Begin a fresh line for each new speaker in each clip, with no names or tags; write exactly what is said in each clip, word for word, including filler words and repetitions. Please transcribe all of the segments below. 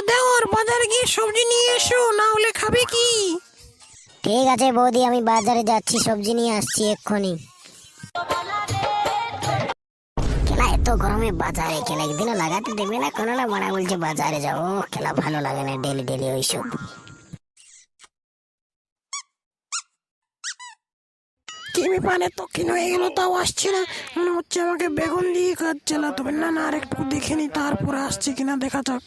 দেওর বাজারে গিয়ে সবজি নিয়ে এসো, না হলে খাবে কি?
ঠিক আছে বৌদি, আমি বাজারে যাচ্ছি, সবজি নিয়ে আসছি এক্ষুনি। খেলা এত গরমে বাজারে খেলা একদিনও লাগাতে দেবে না কোনো, না মারা বলছে বাজারে যাবো। খেলা ভালো লাগে না ডেলি ডেলি ওইসব।
কি ব্যাপারে দক্ষিণ হয়ে গেল, তাও আসছে না? মনে হচ্ছে আমাকে বেগুন দিয়ে কাজ চালাতে হবে। না না, আর একটু দেখে নি, তারপরে আসছে কিনা দেখা যাক।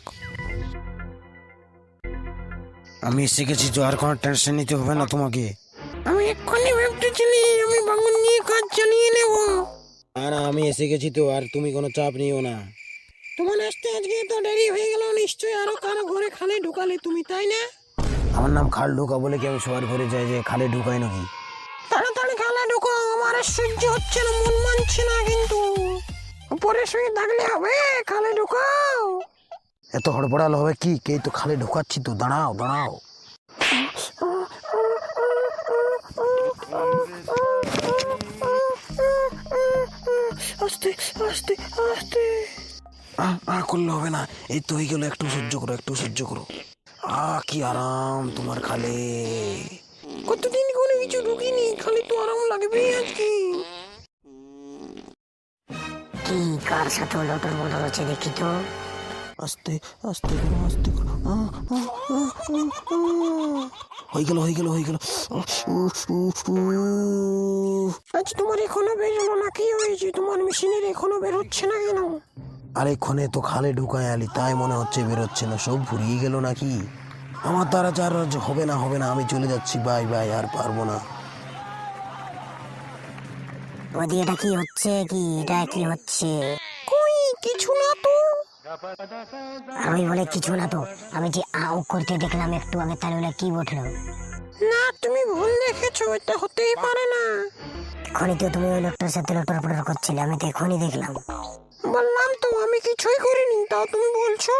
আমি এসে গেছি তো, আর কোনো টেনশন নিতে হবে না তোমাকে।
আমি এক্ষুনি ভাবতেছিলি আমি বেগুন দিয়ে কাজ চালিয়ে নেব।
না না, আমি এসে গেছি তো, আর তুমি কোনো চাপ নিও না।
তোমার আসতে আজকে তো দেরি হয়ে গেল, নিশ্চয়ই আরো কারো ঘরে খালে ঢুকালে তুমি, তাই না?
আমার নাম খাল ঢুকা বলে কি আমি সবার ঘরে যাই যে খালে ঢুকাই নাকি?
তাড়াতাড়ি খালে ঢুকো, আমার আর সহ্য হচ্ছে না, মন মানছে না কিন্তু। উপরে শুয়ে থাকলে হবে? খালে ঢুকাও।
এত হড়বড়াল হবে কি? কে তো খালে ঢুকাচ্ছি তো, দাঁড়াও দাঁড়াও।
আস্তে আস্তে আস্তে।
আহ আহ করলে হবে না, এই তো হয়ে গেল, একটু সহ্য করো, একটু সহ্য করো। আহ কি আরাম তোমার খালে।
কতদিন কোনো কিছু ঢুকিনি, খালি তো আরাম লাগবে আজকে।
কি কার সাথে লটর বটর হচ্ছে দেখি তো।
আস্তে আস্তে করো, আস্তে করো। আহ, আহ, আহ, আহ, আহ। হয়ে গেল হয়ে গেল হয়ে গেল। উফ, উফ, উফ, উফ।
আজ তোমার এখনো বেরোলো না? কি হয়েছে তোমার মেশিনের, এখনো বেরোচ্ছে না কেন?
আরেকক্ষণে তো খালে ঢুকায় আলি, তাই মনে হচ্ছে বেরোচ্ছে না। সব ফুরিয়ে গেল নাকি? আমার দ্বারা চার হবে না হবে না, আমি চলে যাচ্ছি, বাই বাই, আর পারবো না।
বৌদি এটা কি হচ্ছে? কি এটা কি হচ্ছে?
কই কিছু না তো।
আর ওই বলে কিছু না তো, আমি যে আউ করতে দেখলাম একটু আগে, তাহলে ওটা কি বটলো?
না, তুমি ভুল দেখেছো, এটা হতেই পারে না।
এখনই তো তুমি ওই লোকটার সাথে লটর পটর করছিলে, আমি তো এখনই দেখলাম।
বললাম তো আমি কিছুই করিনি, তাও তুমি বলছো।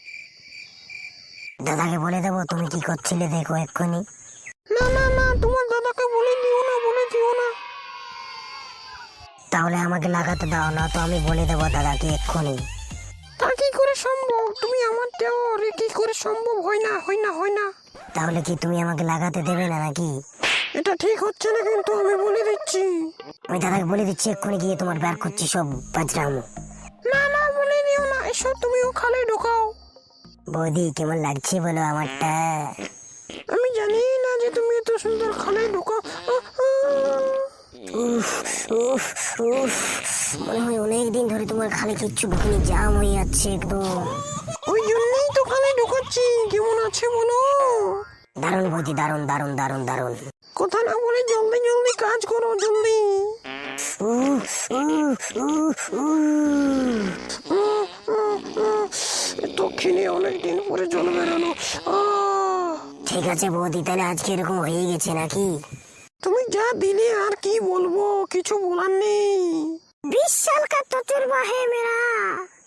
দাদাকে বলে দেবো তুমি কি করছিলে, দেখো এক্ষুনি।
না না না, তোমার দাদাকে বলে দিও না, বলে দিও না।
তাহলে আমাকে লাগাতে দাও, না তো আমি বলে দেবো দাদাকে এক্ষুনি।
তা কি করে সম্ভব? তুমি আমার দেওর, কি করে সম্ভব? হয় না হয় না হয় না।
তাহলে কি তুমি আমাকে লাগাতে দেবে না নাকি?
এটা ঠিক হচ্ছে না কিন্তু, আমি বলে দিচ্ছি।
আমি দাদাকে বলে দিচ্ছি এক্ষুনি গিয়ে, তোমার বের করছি সব বাজরাম।
না না, বলে দিও না, এসব তুমিও খালে ঢোকাও।
বৌদি কেমন লাগছে বলো আমারটা?
আমি জানি না যে তুমি এত সুন্দর খালে ঢোকাও। আহ, আহ।
উফ উফ উফ, মনে হয় অনেকদিন ধরে তোমার খালে কিচ্ছু ঢুকিনি, জাম হয়ে যাচ্ছে একদম।
ওই জন্যই তো খালে ঢোকাচ্ছি। কেমন আছে বলো?
দারুণ বৌদি, দারুণ দারুণ দারুণ দারুণ।
কথা না বলে জলদি জলদি কাজ করো, জলদি।
উফ উফ উফ উফ।
উম, উম, উম। দক্ষিণে অনেকদিন পরে জল বেরোলো। আহ,
ঠিক আছে বৌদি, তাহলে আজকে এরকম হয়ে গেছে নাকি?
তুমি যা দিলে আর কি বলবো, কিছু বলার নেই।
बीस साल का तजुर्बा है मेरा।